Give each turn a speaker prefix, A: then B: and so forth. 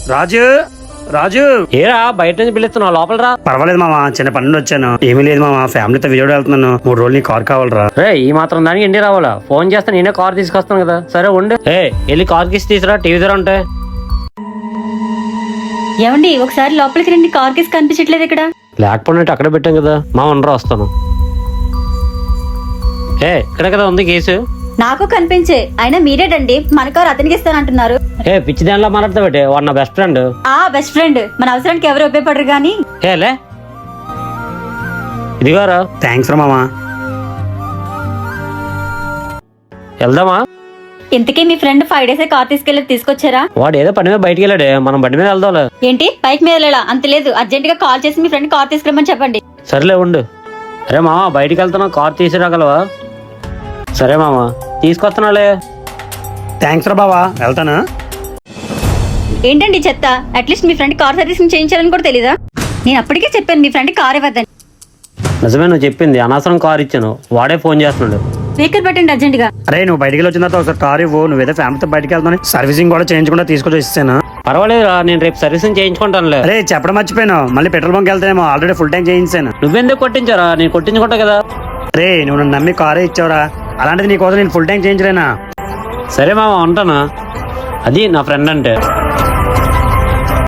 A: రాజు రాజు
B: ఏరా బయట నుంచి పిలుస్తున్నావు లోపల రా.
A: పర్వాలేదు మామ, చిన్న పని నుండి వచ్చాను. ఏమీ లేదు మామ, ఫ్యామిలీతో విజయవాడ వెళ్తున్నాను. 3 రోజులు నీ కార్ కావాలరా.
B: రే ఈ మాత్రం దానికి ఇండి రావాలా? ఫోన్ చేస్తే నేనే కార్ తీసుకొస్తాను కదా. సరే ఉండు. వెళ్ళి కార్ కిసి తీసురా, టీవీ దగ్గర ఉంటాయి.
C: ఏమండి ఒకసారి లోపలికి రండి, కార్ కేసు కనిపించట్లేదు ఇక్కడ.
B: లేకపోతే అక్కడే పెట్టాం కదా. మా ఉండరా వస్తాను. ఇక్కడ కదా ఉంది కేసు.
C: నాకు కనిపించే, అయినా మీరేటండి మన కార్ అతనికి ఇస్తానంటున్నారు.
B: పిచ్చి దానిలో మాట్లాడతా పెట్టే, వాడు నా బెస్ట్ ఫ్రెండ్.
C: బెస్ట్ ఫ్రెండ్, మన అవసరానికి ఎవరు ఉపయోగపడరు గానీ.
B: లే ఇదిగారా.
A: థ్యాంక్స్ రా మామ.
B: వెళ్దామా?
C: ఇంతకీ మీ ఫ్రెండ్ 5 డేస్ కార్ తీసుకొచ్చారా?
B: వాడు ఏదో పని మీద బయటికి వెళ్ళాడే, మనం బండి మీద వెళ్దాంలే.
C: ఏంటి బైక్ మీద వెళ్ళా? అంత లేదు, అర్జెంట్ గా కాల్ చేసి మీ ఫ్రెండ్ కార్ తీసుకురమ్మని చెప్పండి.
B: సరేలే ఉండు. అరే మామ బయటికి వెళ్తున్నా, కార్ తీసుకురాగలవా? సరే మామ తీసుకొస్తున్నాలే.
A: థ్యాంక్స్ రా బావా, వెళ్తాను.
C: ఏంటండి చెత్త, అట్లీస్ట్ మీ ఫ్రెండ్ కార్ సర్వీసింగ్ చేయించాలని కూడా తెలీదా? నేను అప్పటికే చెప్పాను మీ ఫ్రెండ్ కార్ ఇవ్వద్దని.
B: నిజమే నువ్వు చెప్పింది, అనవసరం కార్ ఇచ్చాను. వాడే ఫోన్ చేస్తున్నాడు.
C: స్పీకర్ పెట్టండి అర్జెంట్ గా.
A: అరే నువ్వు బయటికి వచ్చిన తర్వాత ఒకసారి కార్ ఇవ్వు. నువ్వేదో ఫ్యామిలీతో బయటికి వెళ్తాను, సర్వీసింగ్ కూడా చేయించకుండా తీసుకొచ్చి ఇస్తాను.
B: పర్వాలేదురా, నేను రేపు సర్వీసింగ్ చేయించుకుంటానులే.
A: అరే చెప్పడం మర్చిపోయాను, మళ్ళీ పెట్రోల్ బంక్ వెళ్తానేమో. ఆల్రెడీ ఫుల్ ట్యాంక్ చేయించాను.
B: నువ్వెందుకు కొట్టించారా? నేను కొట్టించుకుంటా కదా.
A: రే నువ్వు నన్ను నమ్మి కారే ఇచ్చావురా, అలాంటిది నీకోసం నేను ఫుల్ ట్యాంక్ చేయించలేనా?
B: సరే మామ ఉంటాను. అది నా ఫ్రెండ్ అంటే.